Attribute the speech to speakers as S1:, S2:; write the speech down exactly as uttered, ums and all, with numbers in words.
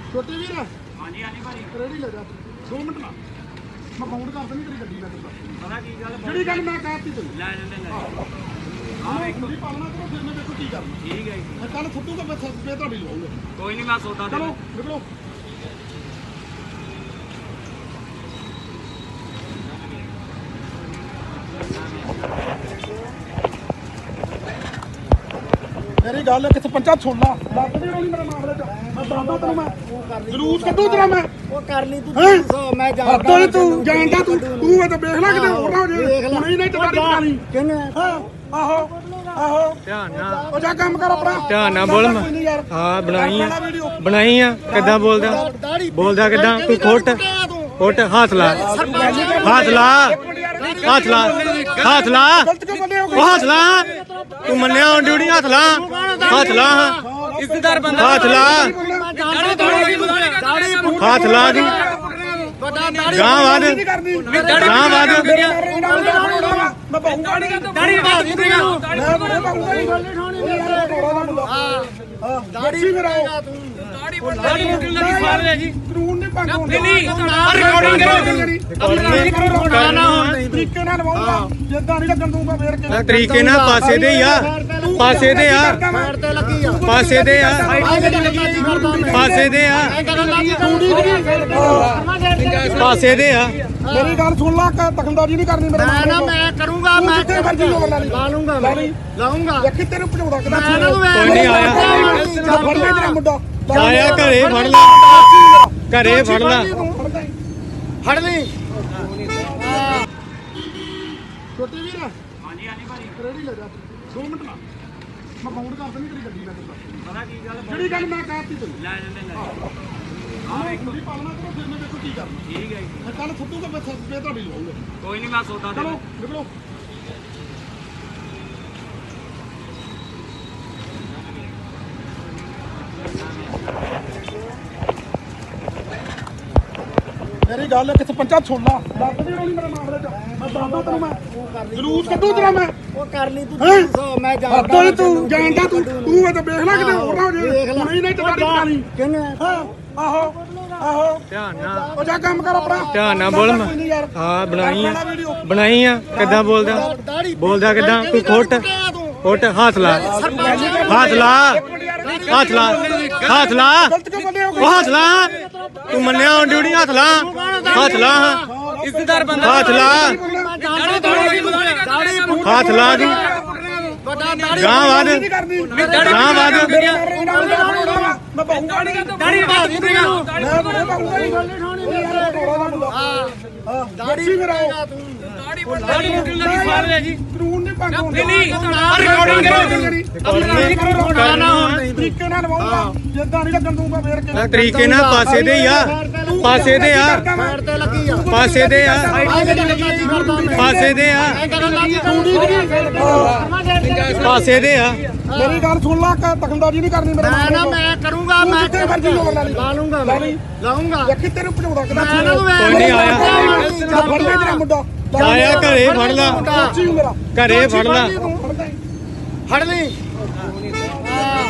S1: ਛੋਟੇ ਵੀਰ
S2: ਹਾਂਜੀ ਹਾਂਜੀ ਭਾਜੀ
S1: ਰੈਡੀ ਲੈ ਜਾ ਦੋ ਮਿੰਟ ਲਾ ਮੈਂ ਬਾਉਂਡ ਕਰ ਦਿੰਦੀ ਤੇਰੀ ਗੱਡੀ ਨਾਲ
S2: ਪਤਾ ਕੀ ਗੱਲ
S1: ਜਿਹੜੀ ਗੱਲ ਮੈਂ ਕਹਿਤੀ ਤੈਨੂੰ
S2: ਲੈ ਜਾਂਦੇ ਲੈ
S1: ਆਹ ਵੇਖੋ ਦੀ ਪਾਲਣਾ ਕਰੋ ਫਿਰ ਮੈਂ ਦੇਖੋ ਕੀ ਕਰਨਾ
S2: ਠੀਕ ਹੈ ਜੀ
S1: ਮੈਂ ਕੱਲ ਫੁੱਟੂਗਾ ਮੈਂ ਸਸਪੇ ਤੁਹਾਡੀ ਲਵਾਉਂਗਾ
S2: ਕੋਈ ਨਹੀਂ ਮੈਂ ਸੌਦਾ ਦੇ
S1: ਚਲੋ ਨਿਕਲੋ ਮੇਰੀ ਗੱਲ ਇੱਕ ਸਰਪੰਚਾ ਛੋਲਾ ਲੱਗ ਨਹੀਂ ਰੋਣੀ ਮੇਰੇ ਮਾਮਲੇ ਚ ਮੈਂ ਦੱਸਦਾ ਤੈਨੂੰ ਮੈਂ ਜਲੂਸ ਕੱਢੂ ਤੇਰਾ ਮੈਂ
S3: ਉਹ ਕਰ ਲਈ ਤੂੰ
S1: ਹੈਂ?
S3: ਦੱਸੋ ਮੈਂ ਜਾਣਦਾ
S1: ਹੱਦੋਂ ਤੂੰ ਜਾਣਦਾ ਤੂੰ ਤੂੰ ਇਹ ਤਾਂ ਵੇਖ ਲੈ ਕਿਤੇ ਹੋਰ ਨਾ ਹੋ ਜੇ ਹੁਣੇ ਹੀ ਨਹੀਂ ਟਕਾਰੀ ਪਾ ਲਈ
S3: ਕਿੰਨੇ
S1: ਹਾਂ ਆਹੋ ਆਹੋ
S4: ਧਿਆਨ ਨਾਲ
S1: ਉਹ ਜਾ ਕੰਮ ਕਰ ਆਪਣਾ
S4: ਧਿਆਨ ਨਾਲ ਬੋਲ
S1: ਕੋਈ ਨੀ ਯਾਰ।
S4: ਹਾਂ ਬਣਾਈ ਆ
S1: ਵੀਡੀਓ
S4: ਬਣਾਈ ਆ ਕਿੱਦਾਂ ਬੋਲਦਾ ਬੋਲਦਾ ਕਿੱਦਾਂ ਤੂੰ ਫੁੱਟ ਫੁੱਟ ਹੱਥ ਲਾ ਹੱਥ ਲਾ ਹੱਥ ਲਾ ਹੱਥ ਲਾ
S1: ਗਲਤ ਕਿਉਂ ਬੰਦੇ ਹੋ
S4: ਉਹ ਹੱਥ ਲਾ ਤੂੰ ਮੰਨਿਆ ਹੁਣ ਡਿਊਟੀ ਹੱਥ ਲਾ ਹੱਥ ਲਾ
S2: ਇੱਜ਼ਤਦਾਰ ਬੰਦਾ
S4: ਹੱਥ ਲਾ ਹੱਥ ਲਾ ਤੂੰ ਗਾਂ ਵਾਦ ਗਾਂ ਵਾਦ
S1: ਮੈਂ ਪਾਉਂਗਾ ਨਹੀਂ
S2: ਦਾੜੀ ਵਧਾ ਦੀ ਤੂੰ
S1: ਮੈਂ ਪਾਉਂਗਾ ਨਹੀਂ ਹਾਂ ਦਾੜੀ ਕਰਾਓ
S2: ਦਾੜੀ ਮੁੱਕਣ ਲੱਗੀ ਸਾਰ ਲੈ ਜੀ
S1: ਕਾਨੂੰਨ ਨਹੀਂ ਭੰਗ
S2: ਨਹੀਂ ਨਹੀਂ ਰਿਕਾਰਡਿੰਗ ਕਰੋ
S4: ਕਰਨਾ ਹੁਣ
S1: ਤਰੀਕੇ ਨਾਲ ਲਵਾਉਂਗਾ ਜਿੱਦਾਂ ਨਹੀਂ ਲੱਗਣ ਦੂੰਗਾ ਫੇਰ ਕੇ
S4: ਤਰੀਕੇ ਨਾਲ ਪਾਸੇ ਦੇ ਹੀ ਆ ਪਾਸੇ ਦੇ ਆ
S3: ਸਾਈਡ ਤੇ ਲੱਗੀ ਆ
S4: ਪਾਸੇ ਦੇ ਆ
S3: ਆਹ ਜਿਹੜੀ ਲੱਗੀ ਸੀ ਕਰਦਾ ਮੈਂ
S4: ਪਾਸੇ ਦੇ ਆ
S3: ਐਂ ਕਰਨ ਲੱਗੀ
S4: ਪਾਸੇ ਦੇ ਆ
S1: ਮੇਰੀ ਗੱਲ ਸੁਣ ਲਾ ਕਿ ਦਖਲਅੰਦਾਜ਼ੀ ਨਹੀਂ ਕਰਨੀ ਮੇਰੇ
S3: ਮੈਂ ਨਾ ਮੈਂ ਕਰੂੰਗਾ ਮੈਂ
S1: ਜਿੱਥੇ ਮਰਜ਼ੀ ਲੋਕ ਲਾ ਲਈ
S3: ਲਾ ਲੂੰਗਾ ਮੈਂ ਲਾਉਂਗਾ
S1: ਵੇਖੀ ਤੈਨੂੰ ਭਜਾਉਣਾ ਕਿਦਾਂ
S3: ਮੈਂ ਨਾ
S4: ਕੋਈ ਨਹੀਂ ਆਇਆ
S1: ਫੜ ਲੈ ਤੇਰਾ ਮੁੰਡਾ
S4: ਆਇਆ ਘਰੇ ਫੜ ਲੈ ਘਰੇ ਫੜ ਲੈ
S3: ਫੜ ਲਈ
S1: ਛੋਟੇ ਵੀਰ
S2: ਹਾਂਜੀ ਹਾਂਜੀ ਭਾਜੀ
S1: ਰੈਡੀ ਲੈ ਜਾ ਦੋ ਮਿੰਟ ਲਾ ਮੈਂ ਬਾਉਂਡ ਕਰ ਦਿੰਦੀ ਤੇਰੀ ਗੱਡੀ ਨਾਲ
S2: ਪਤਾ ਕੀ ਗੱਲ
S1: ਜਿਹੜੀ ਗੱਲ ਮੈਂ ਕਹਿਤੀ ਤੈਨੂੰ
S2: ਲੈ ਜਾਂਦੇ ਲੈ
S1: ਆਹ ਵੇਖੋ ਦੀ ਪਾਲਣਾ ਕਰੋ ਫਿਰ ਮੈਂ ਦੇਖੋ ਕੀ ਕਰਨਾ
S2: ਠੀਕ ਹੈ ਜੀ
S1: ਮੈਂ ਕੱਲ ਫੁੱਟੂਗਾ ਮੈਂ ਸਸਪੇ ਤੁਹਾਡੀ ਲਵਾਉਂਗਾ
S2: ਕੋਈ ਨਹੀਂ ਮੈਂ ਸੌਦਾ ਦੇ
S1: ਚਲੋ ਨਿਕਲੋ ਮੇਰੀ ਗੱਲ ਇੱਕ ਸਰਪੰਚਾ ਛੋਲਾ ਲੱਗ ਨਹੀਂ ਰੋਣੀ ਮੇਰੇ ਮਾਮਲੇ ਚ ਮੈਂ ਦੱਸਦਾ ਤੈਨੂੰ ਮੈਂ ਜਲੂਸ ਕੱਢੂ ਤੇਰਾ ਮੈਂ
S3: ਉਹ ਕਰ ਲਈ ਤੂੰ
S1: ਹੈਂ?
S3: ਦੱਸੋ ਮੈਂ ਜਾਣਦਾ
S1: ਹੱਦੋਂ ਤੂੰ ਜਾਣਦਾ ਤੂੰ ਤੂੰ ਇਹ ਤਾਂ ਵੇਖ ਲੈ ਕਿਤੇ ਹੋਰ ਨਾ ਹੋ ਜੇ ਹੁਣੇ ਹੀ ਨਹੀਂ ਟਕਾਰੀ ਪਾ ਲਈ
S3: ਕਿੰਨੇ
S1: ਹਾਂ ਆਹੋ ਆਹੋ
S4: ਧਿਆਨ ਨਾਲ
S1: ਉਹ ਜਾ ਕੰਮ ਕਰ ਆਪਣਾ
S4: ਧਿਆਨ ਨਾਲ ਬੋਲ
S1: ਕੋਈ ਨੀ ਯਾਰ।
S4: ਹਾਂ ਬਣਾਈ ਆ
S1: ਵੀਡੀਓ
S4: ਬਣਾਈ ਆ ਕਿੱਦਾਂ ਬੋਲਦਾ ਬੋਲਦਾ ਕਿੱਦਾਂ ਤੂੰ ਫੁੱਟ ਫੁੱਟ ਹੱਥ ਲਾ ਹੱਥ ਲਾ ਹੱਥ ਲਾ ਹੱਥ ਲਾ
S1: ਗਲਤ ਕਿਉਂ ਬੰਦੇ ਹੋ
S4: ਉਹ ਹੱਥ ਲਾ ਤੂੰ ਮੰਨਿਆ ਹੁਣ ਡਿਊਟੀ ਹੱਥ ਲਾ ਹੱਥ ਲਾ
S2: ਇੱਜ਼ਤਦਾਰ ਬੰਦਾ
S4: ਹੱਥ ਲਾ ਹੱਥ ਲਾ ਤੂੰ ਗਾਂ ਵਾਦ ਗਾਂ ਵਾਦ
S1: ਮੈਂ ਪਾਉਂਗਾ ਨਹੀਂ
S2: ਦਾੜੀ ਵਧਾ ਦੀ ਤੂੰ
S1: ਮੈਂ ਪਾਉਂਗਾ ਨਹੀਂ ਹਾਂ ਦਾੜੀ ਕਰਾਓ
S2: ਦਾੜੀ ਮੁੱਕਣ ਲੱਗੀ ਸਾਰ ਲੈ ਜੀ
S1: ਕਾਨੂੰਨ ਨਹੀਂ ਭੰਗ
S2: ਨਹੀਂ ਨਹੀਂ ਰਿਕਾਰਡਿੰਗ ਕਰੋ
S4: ਕਰਨਾ ਹੁਣ
S1: ਤਰੀਕੇ ਨਾਲ ਲਵਾਉਂਗਾ ਜਿੱਦਾਂ ਨਹੀਂ ਲੱਗਣ ਦੂੰਗਾ ਫੇਰ ਕੇ
S4: ਤਰੀਕੇ ਨਾਲ ਪਾਸੇ ਦੇ ਹੀ ਆ ਪਾਸੇ ਦੇ ਆ
S3: ਸਾਈਡ ਤੇ ਲੱਗੀ ਆ
S4: ਪਾਸੇ ਦੇ ਆ
S3: ਆਹ ਜਿਹੜੀ ਲੱਗੀ ਸੀ ਕਰਦਾ ਮੈਂ
S4: ਪਾਸੇ ਦੇ ਆ
S3: ਐਂ ਕਰਨ ਲੱਗੀ
S4: ਪਾਸੇ ਦੇ ਆ
S1: ਮੇਰੀ ਗੱਲ ਸੁਣ ਲਾ ਕਿ ਦਖਲਅੰਦਾਜ਼ੀ ਨਹੀਂ ਕਰਨੀ ਮੇਰੇ
S3: ਮੈਂ ਨਾ ਮੈਂ ਕਰੂੰਗਾ ਮੈਂ
S1: ਜਿੱਥੇ ਮਰਜ਼ੀ ਲੋਕ ਲਾ ਲਈ
S3: ਲਾ ਲੂੰਗਾ ਮੈਂ ਲਾਉਂਗਾ
S1: ਵੇਖੀ ਤੈਨੂੰ ਭਜਾਉਣਾ ਕਿਦਾਂ
S3: ਮੈਂ ਨਾ
S4: ਕੋਈ ਨਹੀਂ ਆਇਆ
S1: ਫੜ ਲੈ ਤੇਰਾ ਮੁੰਡਾ
S4: ਆਇਆ ਘਰੇ ਫੜ ਲੈ
S1: ਮੇਰਾ
S4: ਘਰੇ ਫੜ ਲੈ
S1: ਫੜ ਲੈ
S3: ਫੜ ਲਈ